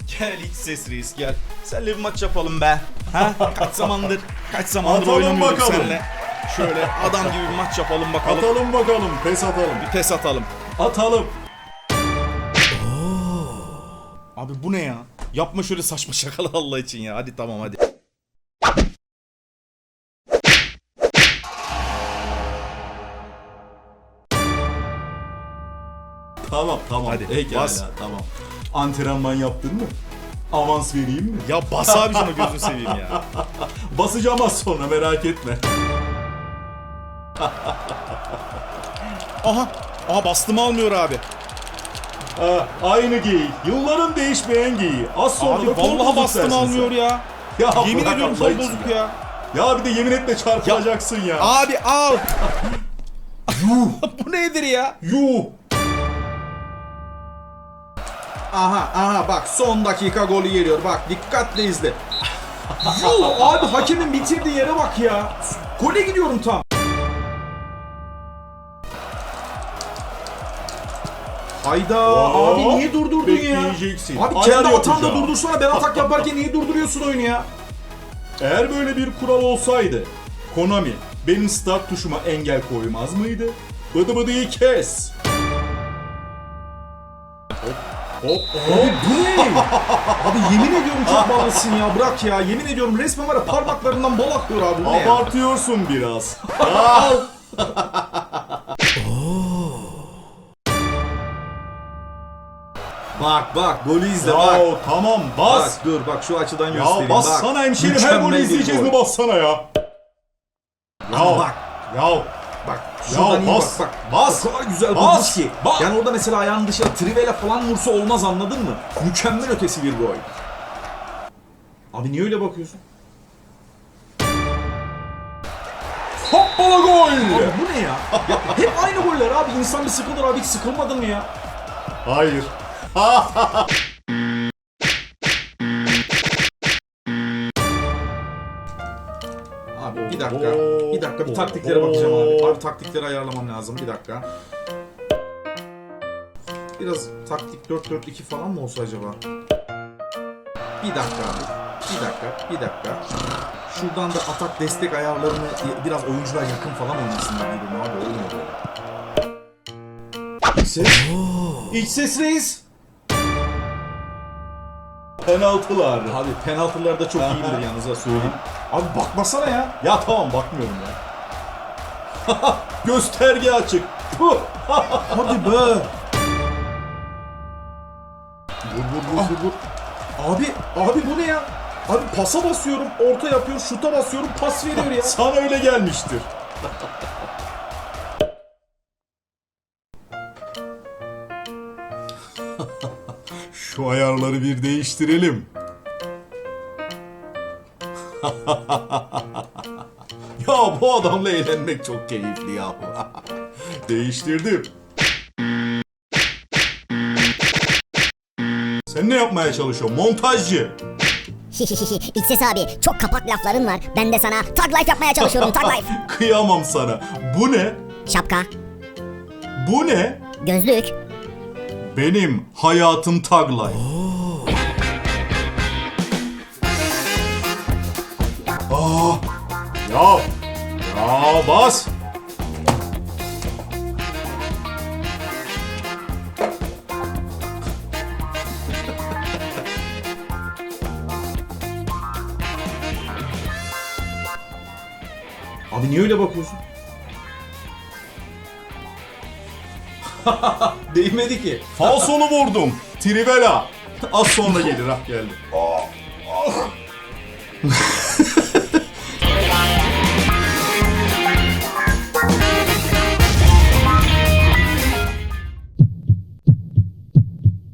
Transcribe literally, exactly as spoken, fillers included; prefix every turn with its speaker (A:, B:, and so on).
A: Gel iç ses reis gel. Seninle bir maç yapalım be. Ha? Kaç zamandır kaç zamandır
B: Atalım
A: oynamıyorduk
B: bakalım.
A: seninle. Şöyle adam gibi bir maç yapalım bakalım.
B: Atalım bakalım. Pes atalım.
A: Bir pes atalım.
B: Atalım.
A: Abi bu ne ya? Yapma şöyle saçma şakalar Allah için ya. Hadi tamam hadi.
B: Tamam tamam.
A: Hadi,
B: Pekala,
A: bas.
B: tamam. Antrenman yaptın mı? Avans vereyim mi?
A: Ya bas abi şunu gözünü seveyim ya.
B: Basacağım az sonra, merak etme.
A: Aha. Aha bastım almıyor abi.
B: Ha, aynı giy. Yılların değişmeyen giy. Az sonra
A: Abi
B: da kol
A: vallahi
B: bozuk
A: bastım
B: dersin
A: almıyor
B: sen.
A: ya.
B: Ya
A: Yemin
B: bırak
A: ediyorum
B: Allah
A: kol
B: için
A: bozuk ya.
B: Ya bir de yemin etme çarpılacaksın ya.
A: Abi al.
B: Yuh.
A: Bu nedir ya?
B: Yuh.
C: Aha aha bak son dakika golü geliyor. Bak dikkatle izle. Yuh abi hakemin bitirdiği yere bak ya. Gole gidiyorum tam. Hayda
B: Oo,
C: abi niye durdurdun ya?
B: bekleyeceksin.
C: Abi
B: Ayar
C: kendi atanda
B: yapacağım.
C: durdursana, ben atak yaparken niye durduruyorsun oyunu ya?
B: Eğer böyle bir kural olsaydı Konami benim start tuşuma engel koymaz mıydı? Bıdı bıdıyı kes.
C: Hop abi bu ne? Abi yemin ediyorum çok balısın ya, bırak ya, yemin ediyorum resmen var ya parmaklarından bal akıyor abi, bu ne ya?
B: Abartıyorsun biraz. Al.
C: Bak bak golü izle
B: Ya
C: bak.
B: tamam bas.
C: Bak dur bak şu açıdan
B: Ya
C: göstereyim
B: bas
C: bak.
B: sana hemşerim, her
C: Mükemmel
B: golü
C: bir
B: izleyeceğiz
C: gol.
B: mi, bassana ya.
C: Ama
B: Ya
C: bak
B: ya
C: bak şuradan iyi
B: bas,
C: bak bak.
B: bas,
C: O kadar güzel
B: bas,
C: vurmuş ki.
B: bas.
C: Yani orada mesela ayağının dışına trivela falan vursa olmaz, anladın mı? Mükemmel ötesi bir gol. Abi niye öyle bakıyorsun?
B: hoppala gol.
C: Abi bu ne ya? Ya hep aynı goller abi. İnsan bir sıkılır abi, hiç sıkılmadın mı ya?
B: Hayır.
C: Abi bir dakika. Bir dakika bir taktiklere bakacağım abi. Abi taktikleri ayarlamam lazım. Bir dakika. Biraz taktik dört dört iki falan mı olsa acaba? Bir dakika abi. Bir dakika. Bir dakika. Şuradan da atak destek ayarlarını biraz oyuncular yakın falan oynasınlar birbirine abi. Olmuyor böyle. İç ses. İç ses reis.
B: Penaltılar.
C: Abi penaltılar da çok iyidir yalnız, ha söyleyeyim. Abi bakmasana ya.
B: Ya tamam bakmıyorum ya. Gösterge açık. Puh.
C: Hadi be.
B: Vur vur vur vur. vur.
C: Abi, abi bu ne ya? Abi pasa basıyorum, orta yapıyor, şuta basıyorum, pas veriyor ya.
B: Sana öyle gelmiştir. Şu ayarları bir değiştirelim. Ya bu adamla eğlenmek çok keyifli ya. Değiştirdim. Sen ne yapmaya çalışıyorsun? Montajcı.
D: İç ses abi, çok kapak lafların var. Ben de sana tag life yapmaya çalışıyorum, tag life.
B: Kıyamam sana. Bu ne?
D: Şapka,
B: Bu ne?
D: gözlük,
B: Benim hayatım tag life. Aa, ya, ya bas.
C: Abi niye öyle bakıyorsun? Değmedi ki.
B: Falsonu vurdum. Trivela. Az sonra gelir, ah geldi.